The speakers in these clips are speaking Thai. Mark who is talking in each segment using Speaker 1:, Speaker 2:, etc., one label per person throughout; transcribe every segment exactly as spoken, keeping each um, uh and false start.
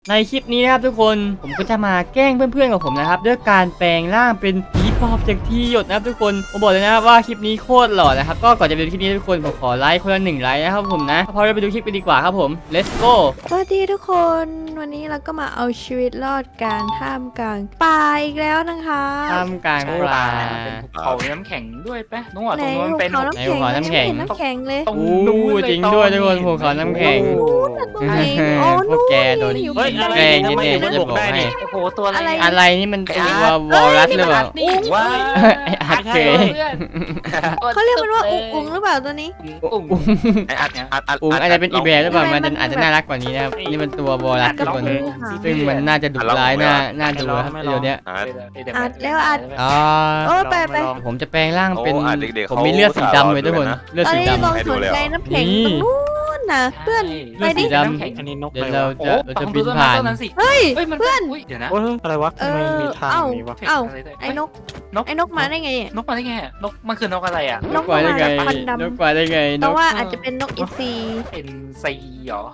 Speaker 1: ในคลิปนี้นะครับทุกคนผมก็จะมาแกล้งเพื่อนๆของผมนะครับด้วยการแปลงร่างเป็นผีปอบจากที่หยดนะครับทุกคนผมบอกเลยนะครับว่าคลิปนี้โคตรหล่อนะครับก็ก่อนจะไปดูคลิปนี้ทุกคนผมขอไลค์คนละหนึ่งไลค์นะครับผมนะพอเราไปดูคลิปกันดีกว่าครับผม let's go
Speaker 2: สวัสดีทุกคนวันนี้เราก็มาเอาชีวิตรอดกลารท่ามกลางป่าอีกแล้วนะคะ
Speaker 1: ท่ามกลางปลา
Speaker 3: เขาน้ำแข็งด้วยปะน้องหวานตรงนู้นเป็น
Speaker 2: เขาน้ำแข็ง
Speaker 1: ไหนภูเขาน้ำแข็ง
Speaker 2: ไม่เห็นน้ำแข็งเลย
Speaker 3: ตรง
Speaker 1: อู้
Speaker 3: นู้นเลย
Speaker 1: จริงด้วยทุกคนภูเขาน้ำแข็ง
Speaker 2: ตรงไหนโอ้
Speaker 1: พวกแกโดน
Speaker 2: อยู่
Speaker 4: เฮ้ย
Speaker 2: บน
Speaker 4: อะไร
Speaker 1: แกล้ง
Speaker 4: ทำไม
Speaker 1: แน่
Speaker 4: อยู่
Speaker 1: ๆ
Speaker 4: บน
Speaker 1: จะ
Speaker 4: บก
Speaker 1: บอก
Speaker 4: ได้
Speaker 1: ให้
Speaker 4: นี่
Speaker 3: โอ้โหตัวอะไร
Speaker 1: อะไรนี่มันตัววอลรัสหรือเปล่า
Speaker 3: นี่ว่า
Speaker 1: ไอ้อัดเคย
Speaker 2: เขาเรียกมันว่าอุ๋งอุ๋งหรือเปล่าตัวนี้
Speaker 3: อุ๋ง
Speaker 4: ไอ้อัดอัดอัด
Speaker 1: อุ๋งอาจจะเป็นอีแบร์หรือเปล่า
Speaker 2: ทำไม
Speaker 1: มัน
Speaker 2: มัน
Speaker 1: อาจจะน่ารักกว่านี้นะครับนี่มันตัววอลรัสทุกคน
Speaker 2: อัด
Speaker 1: ซึ่งมันน่าจะดุร้ายน่าน่าดูครับเดี๋ยวนี้
Speaker 4: อัด
Speaker 2: อัดแล้วอัด
Speaker 1: อ๋อ
Speaker 2: โอ้ไปไป
Speaker 1: ผมจะแปลงร่างเป็น
Speaker 4: โอ้อ่ะเด็กๆ
Speaker 1: ผม
Speaker 4: เขา
Speaker 1: มีเลือดสีดำเลยทุกคน
Speaker 4: นะ
Speaker 1: เลือด
Speaker 2: ตอน
Speaker 1: สี
Speaker 2: นี้
Speaker 1: ดำ
Speaker 2: ลองสนใจน้ำแข็ง
Speaker 1: นี่
Speaker 2: ตรงนู้นนะเพื่อน ไปดิ
Speaker 1: เลือดสีด
Speaker 4: อันนี้นก
Speaker 1: เดี๋ยว
Speaker 4: อะไร
Speaker 1: เรา
Speaker 4: วะ
Speaker 1: จะเราจะบินผ่าน
Speaker 3: นั้นสิ
Speaker 2: เฮ้ย
Speaker 3: เฮ้ยมัน
Speaker 2: เพื่อน
Speaker 3: เดี๋ยวนะ
Speaker 4: โอ้ยอะไรวะ
Speaker 2: เอ
Speaker 4: ทำไม
Speaker 2: อ
Speaker 4: มีทาง
Speaker 2: เอ้า
Speaker 4: นี้วะ
Speaker 2: เอ้าไอ้นก
Speaker 3: นก
Speaker 2: ไอ้นกมาได้ไงอะ
Speaker 3: นกมาได้ไงนกมันคือนกอะไรอ่ะ
Speaker 1: นกกว่าได้ไง
Speaker 2: นกมาจากควันดำ
Speaker 1: นกกว่าได้ไงน
Speaker 2: แต่
Speaker 1: ก
Speaker 2: ว่าอาจจะเป็นนกอินทรี
Speaker 3: เป็นซีหรอน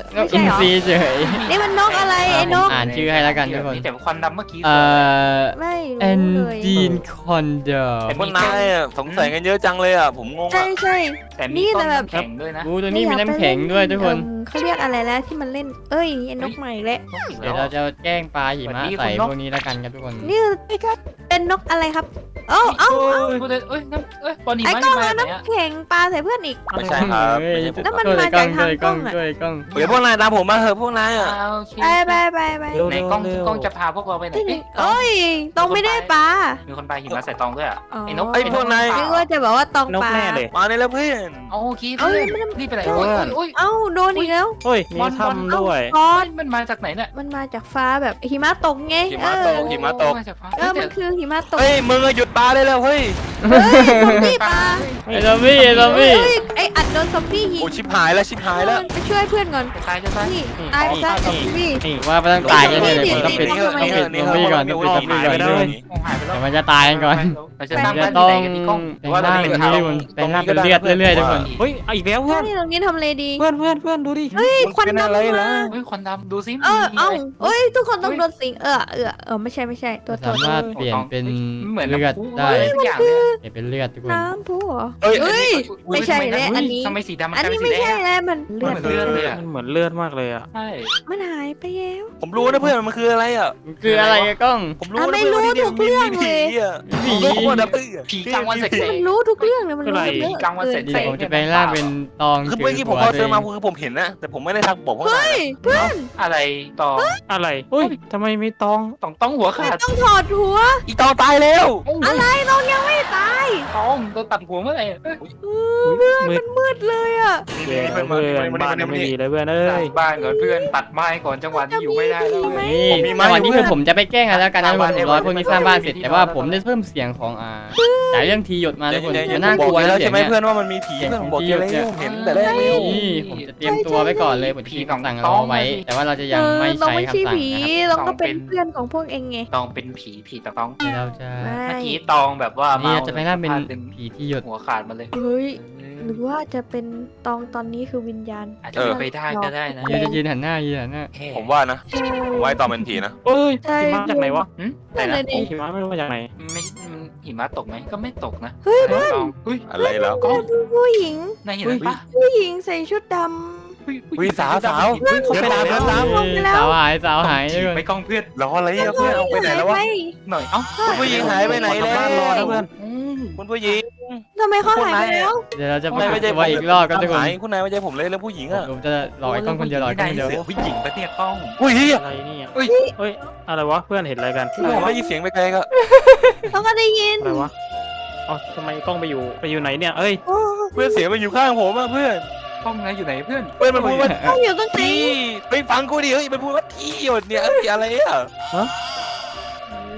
Speaker 1: ก
Speaker 2: ไม่
Speaker 1: อิ
Speaker 2: ใช่
Speaker 1: น
Speaker 2: เหรอ
Speaker 1: ทรีเฉย
Speaker 2: นี่มันนกอะไรไอ้นก
Speaker 1: อ่านชื่อให้แล้วกันทุกคน
Speaker 3: นี่แต่ควันดำเมื่อกี้
Speaker 1: เอ่อ
Speaker 2: ไม่
Speaker 1: แอน
Speaker 2: รู้เลย
Speaker 1: ดีนคอนเดอร์
Speaker 4: พวกนายอ่ะสงสัยกันเยอะจังเลยอ่ะผมงง
Speaker 2: ใช่
Speaker 4: อ่ะ
Speaker 2: ใช่
Speaker 3: แต่
Speaker 2: นี่
Speaker 3: มี
Speaker 2: แต่
Speaker 3: ต้น
Speaker 2: แบบ
Speaker 3: น้ำแข็งด้วยนะ
Speaker 1: อู้ตัวนี้มีน้ำแข็งด้วยทุกคน
Speaker 2: เอิ่มเขาเรียกอะไรแล้วที่มันเล่น เอ้ยไอ้นกใหม่แล้ว
Speaker 3: นกอีก
Speaker 1: เดี๋
Speaker 3: แล้
Speaker 1: ยว วเราจะแกล้งปลาหิมะใส่พวกนี้แล้วกันครับทุกคน
Speaker 2: นี่เป็นนกอะไรครับเอ้าเอ้า
Speaker 3: พูดเลยเอ้ยน้ำเอ้ยบอลนี่
Speaker 2: ไอ้
Speaker 3: มาก
Speaker 2: ล้อง
Speaker 3: มา
Speaker 2: เอา
Speaker 3: ไหนอ่ะ
Speaker 2: น้ำแข็งปลาใส่เพื่อนอีก
Speaker 4: ไม่ใช่ครับ
Speaker 1: เฮ้ย
Speaker 4: ไม่ใช่ผม
Speaker 2: แล้วมัน
Speaker 1: ช่วย
Speaker 2: มาจากทาง
Speaker 1: ช่วยกล้อง
Speaker 2: กล้องอะ
Speaker 1: ช่วยกล้อง
Speaker 4: เดี๋ยวพวกนายตามผมมาเถอะพวกนายอ่ะ
Speaker 3: โอเค
Speaker 2: ไปไปไปไป
Speaker 4: เร็ว
Speaker 3: ไหนกล้องกล้องจะพาพวกเราไปไหน
Speaker 2: ที่หนึ่
Speaker 3: เอ้ย
Speaker 2: งเอ้ยตองไม่ได้ปลา
Speaker 3: มีคนปาหิมะใส่ตองด้วยอ่ะ
Speaker 2: อ๋อ
Speaker 3: ไอ้นก
Speaker 4: ไอ้พวกนาย
Speaker 2: นึกว่าจะบอกว่าตอง
Speaker 4: นก
Speaker 2: ปลา
Speaker 4: แน่เลยมาเลยแล้วเพื่อน
Speaker 3: โอเคเพื่อนรีบไปไหนโอ้ยโอ้ย
Speaker 2: เอ้าโดนอีกแล้ว
Speaker 4: เฮ้ยมีถ้ำด้วย
Speaker 2: คอ
Speaker 3: โอ้
Speaker 2: น
Speaker 3: ยมันมาจากไหนเนี่ย
Speaker 2: มันมาจากฟ้าแบบหิมะตกไง
Speaker 4: หิ
Speaker 2: เอ
Speaker 4: มะ
Speaker 2: อ
Speaker 4: ตกหิมะตก
Speaker 3: มาจากฟ้า
Speaker 2: เออมันคือหิมะตก
Speaker 4: เฮ้ยมึงอะหยุดปลาได้แล้วเฮ้ย
Speaker 2: เฮ้ยซอมบี้ปลา
Speaker 1: ไอ้ซอมบี้ไอ้ซอมบี้
Speaker 2: เฮ้ยไออัดโดนซอมบี้ยิง
Speaker 4: โอ้ชิบหายแล้วชิบหายแล้ว
Speaker 2: ไปช่วยเพื่อนก่อน
Speaker 3: จะตายจะตาย
Speaker 2: นี่ตายไปซะซอมบี้
Speaker 1: ว่าไม่ต้องตายกันเนี่ยเดี๋ยวผมต้องปิด
Speaker 2: นี่
Speaker 1: ต้องปิดซอมบี้ก่อนต้องปิดซอมบี้ก่อน
Speaker 4: นี่
Speaker 1: ทุกคน
Speaker 3: โอ้หายไปแล้ว
Speaker 1: เดี๋ยวมันจะตายกันก่อน
Speaker 3: เราจะ
Speaker 1: ผม
Speaker 3: สร้าง
Speaker 1: จะ
Speaker 3: บ้าน
Speaker 1: ต้อง
Speaker 3: ที่ไหนกันดีกล้อง
Speaker 1: แปลงร่างเป็นทุกคนแปลงร่างเป็นเลือดเรื่อยๆทุกคน
Speaker 4: เฮ้ยอีกแล้วเพื่อน
Speaker 2: นี่ตรงนี้ทำเลดี
Speaker 4: เพื่อนเพื่อนเพื่อนดูดิ
Speaker 2: เฮ้ยควัน
Speaker 4: เป็
Speaker 2: ดำ
Speaker 4: อะไร
Speaker 2: มา
Speaker 4: ล่ะ
Speaker 3: เฮ้ยควันดำดูซิ
Speaker 2: เออ
Speaker 3: มี
Speaker 2: เอ้า
Speaker 3: อะไร
Speaker 2: เอ้ยทุกคนต้องโดนสิงเออเออเออไม่ใช่ไม่ใช่ตัวตัว
Speaker 1: สามารถเปลี่ยนเป็น
Speaker 3: เหมือน
Speaker 1: เลือดได้
Speaker 3: ทุกอย่างเลย
Speaker 1: เปลี่ยนเป็นเลือดทุกคน
Speaker 2: น้ำพุเหรอ
Speaker 4: เฮ้ย
Speaker 2: เฮ้ย ไม่ใช่แล้วอันนี้
Speaker 3: ทำไมสีดำมัน
Speaker 2: อัน
Speaker 3: กลาย
Speaker 2: นี้
Speaker 3: เป็นสี
Speaker 2: ไม่
Speaker 3: แด
Speaker 2: ใช่
Speaker 3: ง
Speaker 2: แล้วมันเลือด
Speaker 3: มันเหมือนเลือดเลยอะ
Speaker 4: มันเหมือนเลือดมากเลยอ่ะ
Speaker 3: ใช่
Speaker 2: มันหายไปแล้ว
Speaker 4: ผมรู้นะเพื่อนมันคืออะไรอ่ะ
Speaker 1: มันคืออะไรอะกล้อง
Speaker 4: ผมรู้นะเพื่อนว่าที่นี่มีผีอ่ะ
Speaker 1: ผี
Speaker 4: ผมรู้หมดนะเพื่อน
Speaker 3: ผีกลางวันแสก
Speaker 2: มันรู้ทุกเรื่องเลยมันรู้ทุกเรื่อง
Speaker 3: กลางวันเสร็จ
Speaker 1: เดี๋ยวผมจะแปลงร่างเป็นตอง
Speaker 4: คือเมื่อกี้ผมพอเจอมาคือผมเห็นนะแต่ผมไม่ได้ทักบอกพวกนาย
Speaker 2: เฮ้ยเพื่อน
Speaker 3: ๆอะไรต่อ
Speaker 4: อะไรเฮ้ยทำไมมีตอง
Speaker 3: ต้องต้องหัวขาด
Speaker 2: ต้องถอดหัว
Speaker 4: อีตองตายแล้ว
Speaker 2: อะไรน้องยังไม่ตาย
Speaker 3: ต้องโดนตัดหัวเมื่อไหร่
Speaker 2: เออเพื่อนมันมืดเลยอ่ะ
Speaker 4: เพื่อนเพื่อนบ้านไม่ดีเลยเพื่อนเอ้
Speaker 3: สร้าง
Speaker 4: ย
Speaker 3: บ้านก่อนเพื่อนตัดไม้ก่อนจังหวะนี้อยู่ไม่ได้แล้ว
Speaker 1: นี่จังหวะนี้คือผมจะไปแกล้งกันแล้วกันนะทุกคนผมรอพวกนี้สร้างบ้านเสร็จแต่ว่าผมได้เพิ่มเสียงของอ่าจ่ายเรื่องทีหยดมาทุกคนมันน่ากลัว
Speaker 4: แล้
Speaker 1: แล้ว
Speaker 4: ว
Speaker 1: เสีย
Speaker 4: ใช่
Speaker 1: ง
Speaker 4: ไหม
Speaker 1: เนี่ย
Speaker 4: เพื่อนว่ามันมีผีเพื่อนผมบอกแกแล้วผมเห็นแต่แรกแล้ว
Speaker 1: นี่ผมจะเตรียมตัวไว้ก่อนเลยผมจะมีคำสั่งรอไว้ แต่ว่าเราจะยังไม่
Speaker 2: เรา
Speaker 1: ใช้
Speaker 2: ไม่ใช่
Speaker 1: คำสั่ง
Speaker 2: ผี
Speaker 1: นะครับ
Speaker 2: เราก็เป็นเพื่อนของพวกเองไง
Speaker 3: ตองเป็นผีผีตะต้อง
Speaker 1: เดี๋ยวเราจะ
Speaker 2: ไม่
Speaker 3: เมื่อกี้ตองแบบว่า
Speaker 1: นี่
Speaker 3: เมา
Speaker 1: เราจะไปร่างเป็น
Speaker 3: ดึง
Speaker 1: ผีที่หยด
Speaker 3: หัวขาดมาเลย
Speaker 2: เฮ้ยหรือว่าจะเป็นตองตอนนี้คือวิญญาณ
Speaker 3: อาจจะเป็นไปได้ก็ได้นะ
Speaker 1: เดี๋ยวจะยืนหันหน้ายืนหันหน้า
Speaker 4: ผมว่านะ
Speaker 2: ใช่
Speaker 4: ผมว่าตองเป็นผีนะ
Speaker 5: เอ้ย
Speaker 2: ใช่
Speaker 5: หิมะจากไหนวะ
Speaker 3: แต่
Speaker 2: นั่น
Speaker 3: นะ
Speaker 2: เลยดิ
Speaker 5: หิมะไม่รู้มาจากไหน
Speaker 3: ไม่มันหิมะตกไหมก็ไม่ตกนะ
Speaker 2: เฮ้ย
Speaker 3: แต่ตองเฮ้ย
Speaker 4: อะไรแล้ว
Speaker 3: กล้อง
Speaker 2: ผู้หญิง
Speaker 3: นายเห็นปะ
Speaker 2: ผู้หญิงใส่ชุดด
Speaker 4: วิสาวสาว
Speaker 5: เขาไปตาม
Speaker 4: เพื่อน
Speaker 5: ตาม
Speaker 1: สาวหายสาวหายทุกคน
Speaker 3: ไปกล้องเพื่อน
Speaker 4: รออะไรอ่ะเพื่อนเอาไปไหนแล้ววะ
Speaker 3: หน่อยเอ้า
Speaker 4: คุณผู้หญิงหายไปไหนแล้ว
Speaker 5: บ้านรอนะเพื่อน
Speaker 3: อืม
Speaker 4: คุณผู้หญิง
Speaker 2: ทำไมเขาหายไปแล้ว
Speaker 1: เดี๋ยวเราจะ
Speaker 4: คุณนายไม่ใช่
Speaker 1: ตัวอีกรอบครับทุกคน
Speaker 4: หายคุณนายไม่ใช่ผมเลยเรื่องผู้หญิงอ่ะ
Speaker 1: ผมจะหลอกไอ้กล้องคนเดียวหลอกไอ้กล้องคนเดียว
Speaker 3: เสือผู้หญิงปะเนี่ยกล้อง
Speaker 4: อุ้ย
Speaker 5: อะไรเนี่ย
Speaker 3: เอ้ย
Speaker 5: เฮ้ยอะไรวะเพื่อนเห็นอะไรกัน
Speaker 4: ผมได้ยินเสียงไปไกลก็
Speaker 2: เขาก็ได้ยิน
Speaker 5: อะไรวะเอ๋อทำไมกล้องไปอยู่ไปอยู่ไหนเนี่ยเอ้ย
Speaker 2: โอ้
Speaker 4: เพื่อนเสียงมันอยู่ข้างผมอ่ะเพื่อน
Speaker 3: กล้องนายอยู่ไหนเพื่อน
Speaker 4: เพื่อนมันพูดว่า
Speaker 2: เขาอยู่ตรงไหน
Speaker 4: ที่ไปฟังกูดิเฮ้ยมันพูดว่าที่หยดเนี่ยเอ้ยอะไรอ่ะ
Speaker 1: เ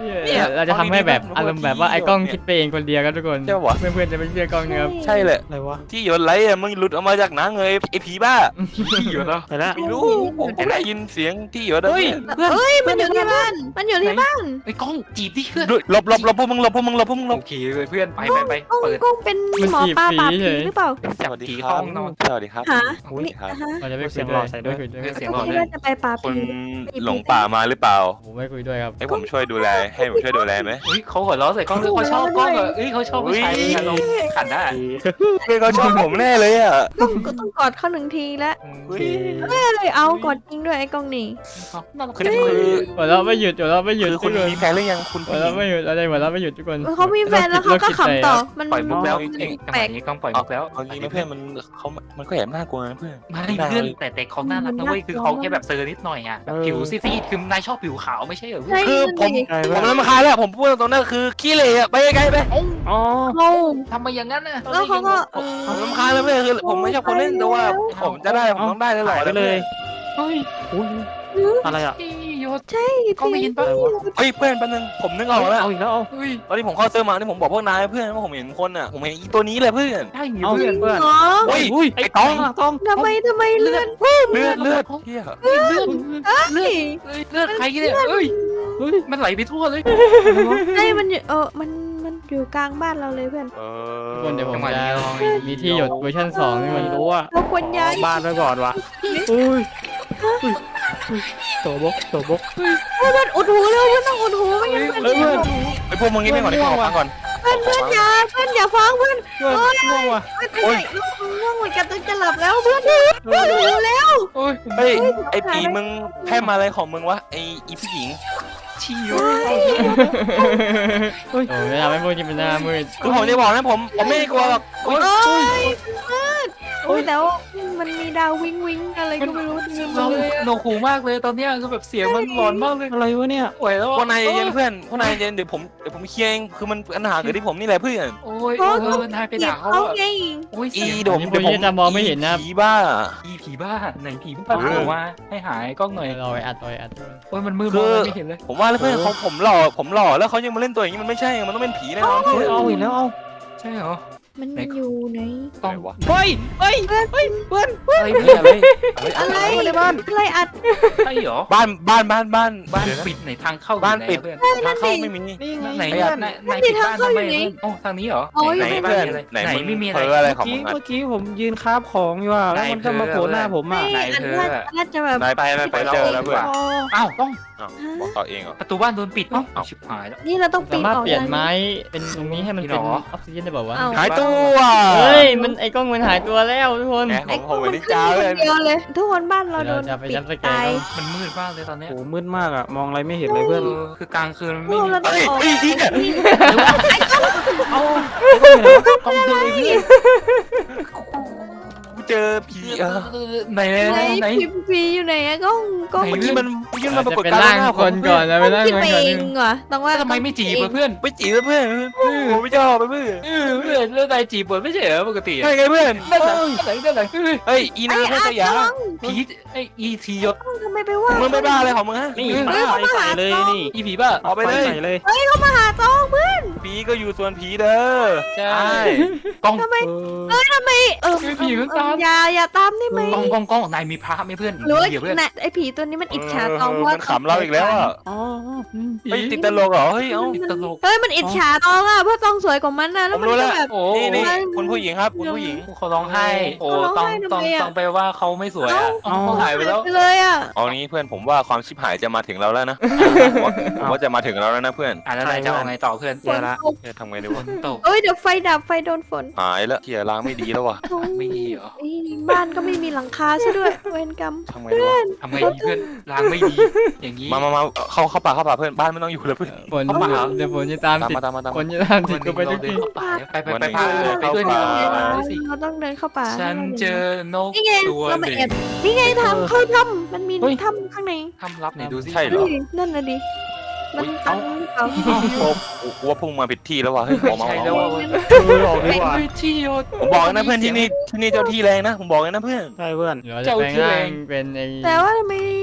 Speaker 1: เนี่ยเราจะทำให้แบบอารมณ์แบบว่าไอ้กล้องคิดไปเองคนเดียวครับทุกคน
Speaker 4: ใช่ปะวะ
Speaker 1: เพื่อนๆจะไม่เชื่อกล้องนะครับ
Speaker 4: ใช่แหละ
Speaker 5: อะไรวะ
Speaker 4: ที่หยดไหลอ่ะมึงหลุดออกมาจากหนังเลยไอ้ผีบ้า
Speaker 3: ที่อยู่แล้ว
Speaker 5: ไปแล้ว
Speaker 4: ไม่รู้ผมผมได้ยินเสียงที่หยดอะ
Speaker 5: เฮ้ยเพื่อน
Speaker 2: เฮ้ยมันอยู่ที่บ้านมันอยู่ที่บ้าน
Speaker 3: ไอ้กล้องจีบดิเพื่อน
Speaker 4: หลบหลบหลบพวกมึงหลบพวกมึงหลบพวกมึงหลบ
Speaker 3: โอเคเลยเพื่อนไปไปไป
Speaker 2: กุ้ง
Speaker 3: เปิด
Speaker 2: กุ้งเป็นหมอปลาปราบผีหรือเปล่า
Speaker 3: จับผีเข้าห้องนอน
Speaker 4: สวัสดีครับ
Speaker 2: หา
Speaker 4: สวัสดีครับ
Speaker 2: ฮะ
Speaker 1: เราจะไม่คุ
Speaker 5: เสี
Speaker 1: ย
Speaker 5: ยง
Speaker 1: ด้
Speaker 5: หล่
Speaker 1: ว
Speaker 5: อย ใส่ด้วย
Speaker 1: ไม่คุยด้วย
Speaker 3: เสียงห
Speaker 2: ก็
Speaker 3: ล่อ
Speaker 2: คิด
Speaker 3: เลย
Speaker 2: ว่าจะไปปราบ
Speaker 4: คุณ
Speaker 2: ผี
Speaker 4: หลงป่ามาหรือเปล่า
Speaker 1: ผมไม่คุยด้วยครับ
Speaker 4: ให้ผมช่วยดูแลให้ผมช่วยดูแลไหม
Speaker 3: เฮ้ยเขาหัวเราะใส่กล้องด้วยเขาชอบกล้องเหรอเอ้ยเขาชอบผู้ชายอารมณ์ขันได้
Speaker 4: เพื่อนเขาชอบผมแน่เลยอ่ะ
Speaker 2: ต้องก็ต้องกอดเขาหนึ่งทีแล้ว
Speaker 4: เฮ้ย
Speaker 2: เอ้ยเอากอดจริงด้วยไอ้กล้องนี่
Speaker 4: คือคือ
Speaker 1: หัวเราะไม่หยุดหัวเราะไม่หยุด
Speaker 4: คือ
Speaker 1: ทุ
Speaker 4: คุ
Speaker 1: ก
Speaker 4: ณ
Speaker 1: คน
Speaker 4: มีแฟนหรือยังคุณ
Speaker 1: หัว
Speaker 4: ผู้หญิ
Speaker 1: เราะ
Speaker 4: ง
Speaker 1: ไม่หยุดอะไรหัวเราะไม่หยุดทุกคน
Speaker 2: เขามีแฟนแล้วเขาก็ขำต่อมัน
Speaker 3: ปล่อยมุกแล้ว
Speaker 2: มัน
Speaker 3: เองจังห
Speaker 2: แปล
Speaker 3: วะ
Speaker 2: ก
Speaker 3: นี้กล้องปล่อยมุกแล้ว
Speaker 4: เอางี้นะเพื่อนมันเขามันก็แอบน่ากลัวนะเพื่อน
Speaker 3: ไม่เพื่อนแต่แต่เขาน่ารักนะเว้ยคือเขาแค่แบบเซอร์นิดหน่อยอ่ะแบบผิวซีดๆคือนายชอบผิวขาวไม่ใช่เหรอเพื่อน
Speaker 2: ใช่
Speaker 4: คือผม
Speaker 2: ดิ
Speaker 5: ใช่
Speaker 4: ผ
Speaker 5: เพื่อ
Speaker 4: ม
Speaker 5: น
Speaker 4: รำคาญแล้วผมพูดตรงนั้นคือขี้เหร่อะไปไกลๆไป
Speaker 5: อ๋อ
Speaker 2: เขา
Speaker 3: ทำไมอย่างนั้นน่ะ
Speaker 2: แล้วเขาก็เออ
Speaker 4: ผมรำคาญแล้วเพื่อนคือผมไม่ชอบคนเล่นแต่ว่าผมจะได้ผมต้องได้ตลอ
Speaker 5: หาย
Speaker 4: ด
Speaker 5: ไปเลย
Speaker 3: เฮ้ย
Speaker 5: อุ้ยอะไรอ่ะ
Speaker 3: ที่ยศ
Speaker 2: ใช่
Speaker 3: กล้องได้ยินปะ
Speaker 5: อะไรวะ
Speaker 4: เฮ้ยเพื่อนแป๊บนึงผมนึกออกแล้ว
Speaker 5: เอาอีกแล้วเอา
Speaker 3: เฮ้ย
Speaker 4: ตอนที่ผมเข้าเซิร์ฟมาที่ผมบอกพวกนายเพื่อนว่าผมเห็นคนอ่ะผมเห็นอีตัวนี้เลยเพื่อน
Speaker 3: ได้ไง
Speaker 5: เอา
Speaker 3: เพื่อน
Speaker 5: เพื่อน
Speaker 2: เหรอ
Speaker 4: เฮ้ย
Speaker 5: อุ้ย
Speaker 4: ไอ้
Speaker 5: ไอ้
Speaker 4: ต้
Speaker 5: ต้
Speaker 4: อ
Speaker 5: อง งต้อง
Speaker 2: ทำไมทำไมเลือด
Speaker 4: เลือดเลือดเฮีย
Speaker 3: เลือด
Speaker 2: เฮ้ย
Speaker 3: เอ้ยเลือดใครเนี่ยเอ้ย
Speaker 5: เฮ้ย
Speaker 3: มันไหลไปทั่วเลย
Speaker 2: ใช่มันอยู่เออมันมันอยู่กลางบ้านเราเลยเพื่อน
Speaker 4: เอ
Speaker 1: ทุกคนเดี๋ยวผม
Speaker 3: จังหวะ
Speaker 1: จะ
Speaker 3: นี้ลอง
Speaker 1: มีที่หยดเวอร์ชันสองทุกค
Speaker 5: ไม่
Speaker 1: น
Speaker 5: รู้อ่ะ
Speaker 2: เราควรย้าย
Speaker 5: บ้านไว้ก่อนวะอุ้ยอุ้ยอุ้ยโตบกโตบก
Speaker 2: เพื่อนอุดหูเร็วเพื่อนต้องอุดหูไม่งั้น
Speaker 5: เฮ้ยเพื่อน
Speaker 4: ไอพวกมึงงี้ไม่ก่อนดิขอฟังก่อน
Speaker 2: เพื่อนเพื่อนอย่าเพื่อนอย่าฟังเพื่อน
Speaker 5: เพื่อนง่วงว่ะ
Speaker 2: เพื่อนไปไหนง่วงเหมือนกันต้องจะหลับแล้วเพื่อนเพื่อนเร็วแล้ว
Speaker 3: โอ้ย
Speaker 4: เฮ้ยไอปีมึงแพร่มาอะไรของมึงวะไออีผู้หญิง
Speaker 3: ชิว
Speaker 1: โอ้ยไม่ทำให้พวกนี้เป็นหน้ามืด
Speaker 4: คือผมจะบอกนะผมผมไม่ได้กลัวหรอกอุ๊ย
Speaker 2: โอ้ยเพื่อนโอ้ยแล้วมันมีดาววิงวิงอะไรก็ไม่รู้เต็ม
Speaker 3: เรา
Speaker 2: เลย
Speaker 3: โนคูมากเลยตอนเนี้ยคือแบบเสียงมันหลอนมากเลย
Speaker 5: อะไรวะเนี่ย
Speaker 3: ป่วยแล้ว
Speaker 4: พวกนายเย็นเพื่อนพวกนายเย็นเดี๋ยวผมเดี๋ยวผมเคลียร์เองคือมันปัญหาเกิดที่ผมนี่แหละเพื่อน
Speaker 3: โอ้ยเออนายไปด่าเขา
Speaker 2: เขา
Speaker 3: อะ
Speaker 2: ไง
Speaker 3: โอ้ย
Speaker 4: อี
Speaker 3: เสียง
Speaker 4: เดี๋ยวผมเดี๋ยวผมผีบ้า
Speaker 3: อีผีบ้าไหนผีบ้าผมว่าให้หายกล้องหน่อย
Speaker 1: เราไปอัดเราไปอัดทุกคน
Speaker 3: โอ้ยมันมืดมองไม่เห็นเลย
Speaker 4: ผมว่าแล้วเพื่อนเขาผมหล่อผมหล่อแล้วเขายังมาเล่นตัวอย่างนี้มันไม่ใช่มันต้องเป็นผีแน่นอน
Speaker 5: เฮ้
Speaker 4: เพื่
Speaker 5: ย
Speaker 4: อน
Speaker 5: เอาอีกแล้วเอา
Speaker 3: ใช่เหรอ
Speaker 2: มันอยู่ไหน
Speaker 3: กล้อง
Speaker 4: วะ
Speaker 5: เฮ้ยเฮ้ย
Speaker 2: เพื่อนเพื่อน
Speaker 3: อะไรเนี่ยอะไร
Speaker 2: อะไรอะไรอัด
Speaker 3: ใช่เหรอ
Speaker 4: บ้านบ้านบ้านบ้าน
Speaker 3: บ้านปิดไหนทางเข้า
Speaker 4: บ้านปิด
Speaker 3: เพื่อน
Speaker 4: ทางเข้าไม่มี
Speaker 5: นี่ไง
Speaker 3: ไหน
Speaker 5: เพื่อน
Speaker 3: ไหนไหนปิดบ้านทำไมโอ้ทางนี้เหรอ
Speaker 4: ไหนเพื่อนไหน
Speaker 3: ไหน
Speaker 4: มึง
Speaker 3: ไม่มีอะ
Speaker 4: เพ้
Speaker 3: ไร
Speaker 4: ออะไร
Speaker 5: เมื่อ
Speaker 4: ของ
Speaker 5: กี้
Speaker 4: มึงอ่ะ
Speaker 5: เมื่อกี้ผมยืนคาบของอยู่อ่ะแล้วมันก็มาโผล่หน้าผมอ่ะ
Speaker 2: ไม่อันน่าน่าจะแบบ
Speaker 4: นายไปไปไปเจอแล้วเพื่อน
Speaker 3: อ้าวต้อง
Speaker 4: บอกต่อเองเหรอ
Speaker 3: ประตูบ้านโดนปิดเอ้าชิบหายแล้ว
Speaker 2: นี่เราต้องปี
Speaker 1: สาน มารถ
Speaker 2: ออก
Speaker 1: เปลี่ยนไม้เป็นตรงนี้ให้มันเป็น
Speaker 3: หรอ
Speaker 1: ออกซิเจนได้เปล่าวะ
Speaker 4: หายตัว
Speaker 1: เฮ้ยมันไอ้กล้องมันหายตัวแล้วทุกคน
Speaker 4: แหมของผมวันนี้จ้าเลย
Speaker 2: เดียวเลย ทุกคนบ้านเราโด
Speaker 1: เรา
Speaker 2: น
Speaker 1: จะไป
Speaker 2: ปิด
Speaker 1: ย้ำสแก
Speaker 2: ตาน ย
Speaker 3: มันมืดมากเลยตอนเนี้ย
Speaker 5: โอ้มืดมากอ่ะมองอะไรไม่เห็นเลยเพื่อน
Speaker 3: เออคือกลางคืนมัน
Speaker 2: พ
Speaker 3: ไม่
Speaker 2: วก
Speaker 3: มี
Speaker 2: เราต้องออก
Speaker 4: เฮ้ยพี่เนี่ย
Speaker 5: เอา
Speaker 3: กล้องดูไอ้เพื่อน
Speaker 4: เจอผีเออ
Speaker 3: ไหนไหน
Speaker 2: ไหน
Speaker 3: ไหน
Speaker 2: พิมพีอยู่ไหนอะกล้องกล้อง
Speaker 3: ไหน
Speaker 4: เมื่อกี้มันยื่นมาป
Speaker 1: จะ
Speaker 4: รากฏ
Speaker 1: เป็น
Speaker 4: การณ์
Speaker 1: ร่าง
Speaker 4: หน้า
Speaker 1: คนก่อนนะเป็นร่าง
Speaker 2: คิด
Speaker 1: คน
Speaker 2: ไป
Speaker 1: ก่อน
Speaker 2: เองเหรอต้องว่า
Speaker 3: ทำไมไม่จีบเพื่อน
Speaker 4: ไปจีบเพื่อนผมไม่ชอบไปเพื่อน
Speaker 3: เออเพื่อนแล้วนายจีบเปิดไม่ใช่เหรอปกติ
Speaker 4: ใช่ไงเพื่อน
Speaker 3: นั่นไหนนั่นไหนนั่นไหน
Speaker 4: เฮ้ยอีนาแค่สยาม
Speaker 3: ผีไออีทียศ
Speaker 2: ทำไมไปว่า
Speaker 4: มึงไม่บ้าอะไรของมึงฮะ
Speaker 5: นี่ป้าไฟใส่เลยนี่
Speaker 3: อีผีบ้า
Speaker 4: เอาไปเลย
Speaker 5: ใส่เลย
Speaker 2: มาหาตองเพื่อน
Speaker 4: ผีก็อยู่ส่วนผีเด้อ
Speaker 3: ใช่
Speaker 4: ใช่
Speaker 3: กล้อง
Speaker 2: ทำไม
Speaker 5: เออ
Speaker 2: ทำไมเออ
Speaker 3: ไม่ผีมันตาม
Speaker 2: อย่าอย่าตามได้ไหม
Speaker 3: กล้องกล้องกล้องนายมีพระไหมเพื่อน
Speaker 2: หรือว่า
Speaker 3: เดี๋ยวเพื่อน
Speaker 2: น่ะไอ้ผีตัวนี้มันอิจฉาตองเพราะ
Speaker 4: มันขำเราอีกแล้วอ่ะ
Speaker 5: อ๋ออืม
Speaker 4: ไม่ติดตลกเหรอเฮ้ยเอ้า
Speaker 3: ตลก
Speaker 2: เฮ้ยมันอิจฉาตองอ่ะเพราะตองสวยกว่ามันนะแล้วมัน
Speaker 4: ผมรู้แล้
Speaker 2: ก็
Speaker 4: ว
Speaker 2: แบบ
Speaker 3: โอ้
Speaker 4: นี่นี่
Speaker 2: โอ้ย
Speaker 4: คุณผู้หญิงครับคุณผู้หญิง
Speaker 3: เขาร้องไห้โอ้
Speaker 2: เขาร้
Speaker 3: ต้
Speaker 2: อ
Speaker 3: อง ง
Speaker 2: ไห้
Speaker 3: ต้อง
Speaker 2: ทำไมอะ
Speaker 3: ต้องไปว่าเขาไม่สวยอ่ะเขาหายไปแล้ว
Speaker 2: ไปเลยอ่ะ
Speaker 4: เอางี้เพื่อนผมว่าความชิบหายจะมาถึงเราแล้วนะผมว่าผมว่าจะมาถึงเราแล้วนะเพื่อน
Speaker 3: อ่ะแล้วนายจะเอาไงต่อเพื่อน
Speaker 2: ฝนตก
Speaker 4: เฮ้ยทำไงดีวะ
Speaker 3: ตก
Speaker 2: เอ้ยเดี๋ยวไฟดับไฟโดนฝน
Speaker 4: หายแล้วเทียล้างไม่ดีแล้ววะ
Speaker 3: ไม่ดีเหรอ
Speaker 2: เอ้ยบ้านก็ไม่มีหลังคาซะด้วยเวรกรรม
Speaker 4: ทำไงดีวะ
Speaker 3: ทำไงดีเพื่อนล้างไม่ดีอย่างนี้
Speaker 4: มามามาเข้าเข้าป่าเข้าป่าเพื่อนบ้านไม่ต้องอยู่แล้วเพื่อน
Speaker 1: ฝนเดี๋ยวฝนจะตาม
Speaker 4: ตาม
Speaker 1: ติด
Speaker 4: มาตามมาตาม
Speaker 1: ฝ
Speaker 4: มาน
Speaker 1: จะตามติ
Speaker 3: วั
Speaker 1: ด
Speaker 3: นห
Speaker 1: กู
Speaker 3: นึ่ง
Speaker 1: ไป
Speaker 3: เรา
Speaker 1: ทุก
Speaker 3: เดิน
Speaker 1: ที่
Speaker 3: เข้าป่าไปไปไปพาไปด้วยดีกว่าไปสิ
Speaker 2: เราต้องเดินเข้าป่า
Speaker 3: ฉันเจอนก
Speaker 2: นี่ไง
Speaker 3: ตัว
Speaker 2: เรา
Speaker 3: ห
Speaker 2: มา
Speaker 3: นึ่ง
Speaker 2: แอบนี่ไงทำเข้าถ้ำมันมีถ้ำข้างใน
Speaker 3: ทำรับไหนดูสิ
Speaker 4: ใช่เหรอ
Speaker 2: เฮ้ยนั่นน่ะดิมันตันหรือเปล่า
Speaker 4: ผมว่าพุ่งมาผิดที่แล้ววะเฮ้ยออกมาอ
Speaker 3: ใช่
Speaker 4: อก
Speaker 3: แล้ว
Speaker 4: มา
Speaker 3: ว่า
Speaker 5: เออออกดีกว่า
Speaker 3: เฮ้ยที่โยน
Speaker 4: ผมบอกนะเพื่อนที่นี่ที่นี่เจ้าที่แรงนะผมบอกเลยนะเพื่อน
Speaker 5: ใช่เพื่อน
Speaker 1: เดี๋ยวจะแปลงร่างเป็นไอ้
Speaker 2: แต่ว่าทำไม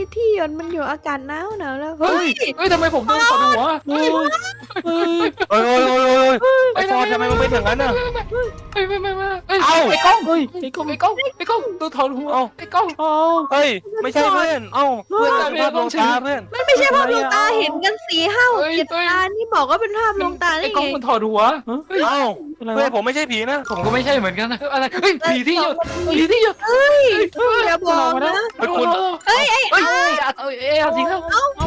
Speaker 2: ที่หยดมันอยู่อากาศหนาวหนาวแล้ว
Speaker 3: เฮ้
Speaker 2: เฮ้
Speaker 3: ย
Speaker 2: ย
Speaker 3: เฮ้ยทำไมผมโดนถอดหัว
Speaker 5: โอ้ยเฮ้ย
Speaker 4: โอ้ยโอ้ยโอ้ยโอ้ยไอ้ฟอร์ดทำไมมึงเป็นอย่างนั้นน่ะ
Speaker 3: ไม่ไม่ไม่ไม่เอ้ย
Speaker 4: เอ้า
Speaker 3: ไอ้กล้อง
Speaker 5: เฮ้ยไอ้กล้อง
Speaker 3: ไอ้กล้องไอ้กล้องโดนถอดหัว
Speaker 4: เอ้า
Speaker 3: ไอ้กล้อง
Speaker 5: เอา
Speaker 4: เฮ้ยไม่ใช่เพื่อนเอ้าเพื่อนกันภาพลวงตาเพื่อน
Speaker 2: มันไม่ใช่ภาพลวงตาเห็นกันสี่ห้าหก
Speaker 3: เฮ้ย
Speaker 2: เจ็ด
Speaker 3: เฮ้ย
Speaker 2: ตานี่บอกว่าเป็นภาพลวงตาได้
Speaker 3: ไอ้กล้
Speaker 2: ไง
Speaker 3: องมันถอดหัวเฮ้ย
Speaker 4: เอ้า
Speaker 5: อะไร
Speaker 4: เพื่อน
Speaker 5: วะ
Speaker 4: ผมไม่ใช่ผีนะ
Speaker 3: ผมก็ไม่ใช่เหมือนกันนะอะไรเฮ้ยผีที่หยดผีที่หยด
Speaker 2: เฮ้ยอย่าบอกนะ
Speaker 4: เฮ้ยคุณ
Speaker 3: เอ้ยเอ้ยเอ้ยเอ้ยเอ้ยเอาจริงแล้ว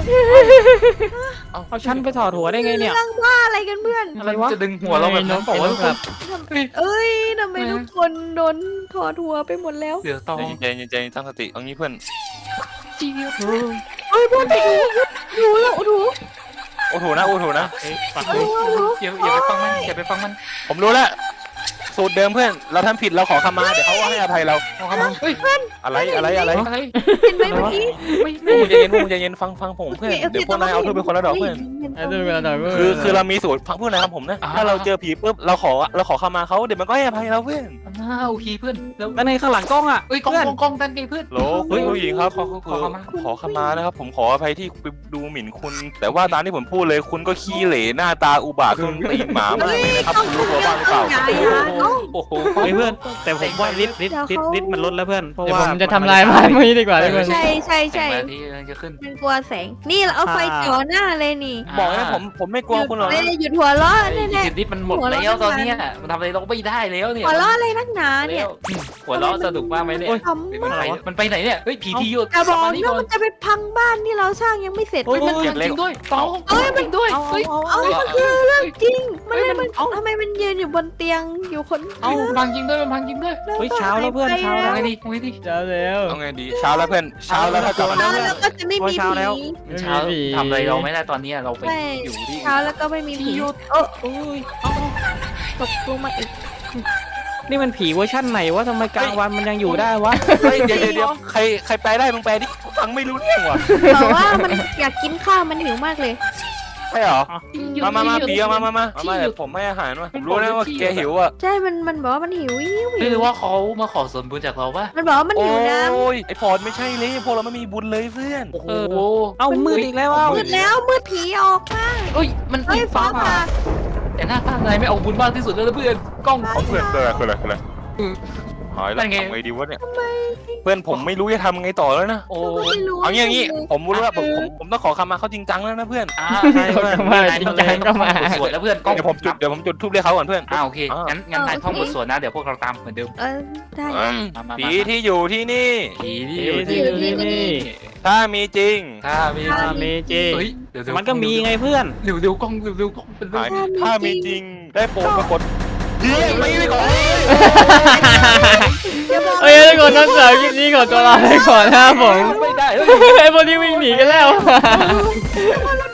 Speaker 5: เอาฉันไปถอดหัวได้ไงเนี่ย
Speaker 2: เรื่องบ้าอะไรกันเพื่อน
Speaker 5: อะไรวะ
Speaker 3: จะดึงหัวเราแบบนั้นบอกว่าทุกคนเฮ้ย
Speaker 2: เอ้ยทำไมทุกคนโดนถอดหัวไปหมดแล้ว
Speaker 3: เดี๋ยวตอง
Speaker 4: ใจเย็นใจเย็นตั้งสติเอางี้เพื่อน
Speaker 3: เจี๊ยบ
Speaker 2: เฮ้ยพวกดูดูแล้วดู
Speaker 4: โอ้โหนะโอ้โหนะ
Speaker 3: เอ้ยฟังเลยอย่าอย่าไปฟังมันอย่าไปฟังมัน
Speaker 4: ผมรู้แล้วสูตรเดิมเพื่อนเราทำผิดเราขอขมาเดี๋ยวเขาก็ให้อภัยเรา
Speaker 3: เอาเข้ามาเฮ้ย
Speaker 4: อะไรอะไรอะไร
Speaker 3: อะไร
Speaker 2: เห็นไหมเมื่อกี้
Speaker 3: ไม่
Speaker 4: พว
Speaker 3: ไม่
Speaker 4: กมึงใจเย็นพวกมึงใจเย็นฟังฟังผมเพื่อนเดี๋ยวพวกนายเอาเพื่อนเป็นคนละดอกเพื่อน
Speaker 1: ไอ้ตัวกระดาษ
Speaker 4: คือคือเรามีสูตรพักพวกนายทำผมนะถ้าเราเจอผีปุ๊บเราขอเราขอขมาเขาเดี๋ยวมันก็ให้อภัยเราเพื่อน
Speaker 3: น่าโอเคเพื่อนแล้ว
Speaker 5: แล้วในข้างหลังกล้องอ่ะ
Speaker 3: เอ้ยกล้อง
Speaker 5: เพื่อน
Speaker 3: กล้องกล้องนั่นไงเพื่อน
Speaker 4: โหลคุณผู้หญิงครับขอ
Speaker 3: ข
Speaker 4: ข
Speaker 3: อ
Speaker 4: อ
Speaker 3: ขมา
Speaker 4: ขอขมานะครับผมขออภัยที่ไปดูหมิ่นคุณ แต่ว่าตามที่ผมพูดเลยคุณก็ขี้เหร่หน้าตาอุบาทคุณตีนหมามากเลยนะครับคุณรู้ตัวบ้างหรือเปล่า
Speaker 3: โอ้โห
Speaker 5: เฮ้ยเพื่อนแต่ผมว่าลิฟต์ลิฟต์ลิฟต์ลิฟต์มันลดแล้วเพื่อนเพราะ
Speaker 1: เดี๋ยว
Speaker 5: ว่า
Speaker 1: ผมจะทำลายบ้านพวกนี้ดีกว่าทุกคน
Speaker 2: ใช่ใช่ใช่
Speaker 3: แสงมาที่จะขึ้น
Speaker 2: มันกลัวแสงนี่เราเอาไฟจ่อหน้าเลยนี่
Speaker 4: บอกนะผมผมไม่กลัวคุณหรอก
Speaker 2: เล
Speaker 4: นะ
Speaker 2: ยหยุดหัวล้อ
Speaker 3: ไอ้
Speaker 2: แน่
Speaker 3: จิตนิดมันหมดแล้วตอนเนี้ยมันทำอะไรเราไม่ได้แล้ว
Speaker 2: ๆ
Speaker 3: เนี่ย
Speaker 2: หัวล้ออะไรนักหนาเนี่ย
Speaker 3: หัวเราะสนุกมากไหมเนี่ย
Speaker 2: ทำ
Speaker 3: มัน
Speaker 2: มาก
Speaker 3: ไปมันไปไหนเนี่ยเฮ้ยผีที่หยด
Speaker 2: จะบอก
Speaker 3: นี่
Speaker 2: นะ
Speaker 3: ก่อน
Speaker 2: มันจะไปพังบ้านที่เราสร้างยังไม่เสร็จ
Speaker 3: เฮ้ยมันจริงด้วยต้องเอ้ยมันด้วย
Speaker 5: เอา
Speaker 3: เฮ้ย
Speaker 5: เอา
Speaker 2: เอา
Speaker 5: เอา
Speaker 2: มันคือเรื่องจริง มันเลยมัน
Speaker 5: เอ้า
Speaker 2: ทำไมมันยืนอยู่บนเตียงอยู่คน
Speaker 3: เอาพังจริงด้วยมันพังจริงด้วย
Speaker 5: เฮ้ยเช้าแล้วเพื่อนเช้า
Speaker 3: เอา
Speaker 5: แล้ว
Speaker 3: ไงดีเอาไงดี
Speaker 1: เจ้าแล้ว
Speaker 4: เอาไงดีเช้าแล้วเพื่อนเช้าแล้วถ้ากลับมา
Speaker 2: เช้าแล้วก็จะไม่มี
Speaker 5: เช้าแล้ว
Speaker 2: ผี
Speaker 3: เช้าทำอะไรเราไม่ได้ตอนนี้เราไป
Speaker 2: ใช่
Speaker 3: อยู่ที่
Speaker 2: เช้าแล้วก็ไม่มีผีเออโอ้ยเอาตกลงมาอีก
Speaker 5: นี่มันผีเวอร์ชั่นไหนวะทำไมกลางวันมันยังอยู่ได้วะ
Speaker 4: เฮ้ยเดี๋ยวเดี๋ยวเดี๋ยวใครใครแปลได้มึงแปลดิฟังไม่รู้เรื่องว่ะ
Speaker 2: บอกว่ามันอยากกินข้าวมันหิวมากเลย
Speaker 4: ใช่เหรอมามามาผีเอามามามามาเดี๋ยวผมให้อาหารมาผมรู้นะว่าแกหิวอ่ะ
Speaker 2: ใช่ มันมันบอกว่ามันหิวหิว
Speaker 3: ไม่
Speaker 2: หิว
Speaker 3: รู้ว่าเขามาขอส่วนบุญจากเราปะ
Speaker 2: มันบอกว่ามัน
Speaker 4: โอ้
Speaker 2: หิวน้ำ
Speaker 4: ยไอฟอร์ดไม่ใช่เลยพวกเราไม่มีบุญเลยเพื่อน
Speaker 3: โอ้โห
Speaker 5: เอ้ามืดอีกแล้วอ่ะ
Speaker 2: มืดแล้วมืดผีออกมา
Speaker 3: เอ้ยมัน
Speaker 2: เฮ้ย
Speaker 3: ฟ้า
Speaker 2: ฟ้า
Speaker 3: ผ่า
Speaker 2: ผ่า
Speaker 3: แต่หน้าตานายไม่เอาบุญมากที่สุดแล้วนะเพื่อนกล้อง
Speaker 4: เขาเพื่อนคืออะไรคืออะไรคืออะไร
Speaker 3: อืม
Speaker 4: หายแล้ว
Speaker 3: นั่นไง
Speaker 4: ทำไงดีวะเนี่ยเพื่อนผมไม่รู้จะทำไงต่อแล้วนะ
Speaker 3: โอ้
Speaker 2: เราก็ไม่รู้
Speaker 4: เอางี้อย่างงี้ผมรู้ว่าผมผมผมต้องขอคำมาเขาจริงจังแล้วนะเพื่อน
Speaker 3: อ่า
Speaker 1: เขาก็มาจริงจังก็มา
Speaker 3: สวดแล้วเพื่อนกล้อง
Speaker 4: เดี๋ยวผมจุดเดี๋ยวผมจุดทูบเรียกเขาก่อนเพื่อน
Speaker 3: อ่าโอเคงั้นงั้นนายท่องบทสวดนะเดี๋ยวพวกเราตามเหมือนเดิม
Speaker 2: เออได้
Speaker 4: อืม
Speaker 3: มามา
Speaker 4: ผีที่อยู่ที่นี่
Speaker 3: ผีที่
Speaker 5: ผี
Speaker 3: อยู่
Speaker 5: ที่
Speaker 3: ที่
Speaker 5: อยู่ที่นี่
Speaker 4: ถ้ามีจริง
Speaker 3: ถ้ามี
Speaker 5: ถ้ามีจริง
Speaker 3: เฮ้ยเดี๋ยวเดี๋ยว
Speaker 5: มันก็มีไงเพื่อน
Speaker 3: เร็วเร็วกล้องเร็วเร็วกล้องเป็นเรื่อง
Speaker 4: หายถ้ามีจริงได้โปรดปรากฏเฮ้ยไม่ไม่ก่อน
Speaker 2: อย่าบอก
Speaker 1: เอ้ยทุกคนนั้นสาวคลิปนี้ขอตัวลาไปก่อนนะครับผม
Speaker 3: ไม่ได้เฮ้ย
Speaker 1: ไอ้พวกนี้วิ่งหนีกันแล้ว
Speaker 2: เรา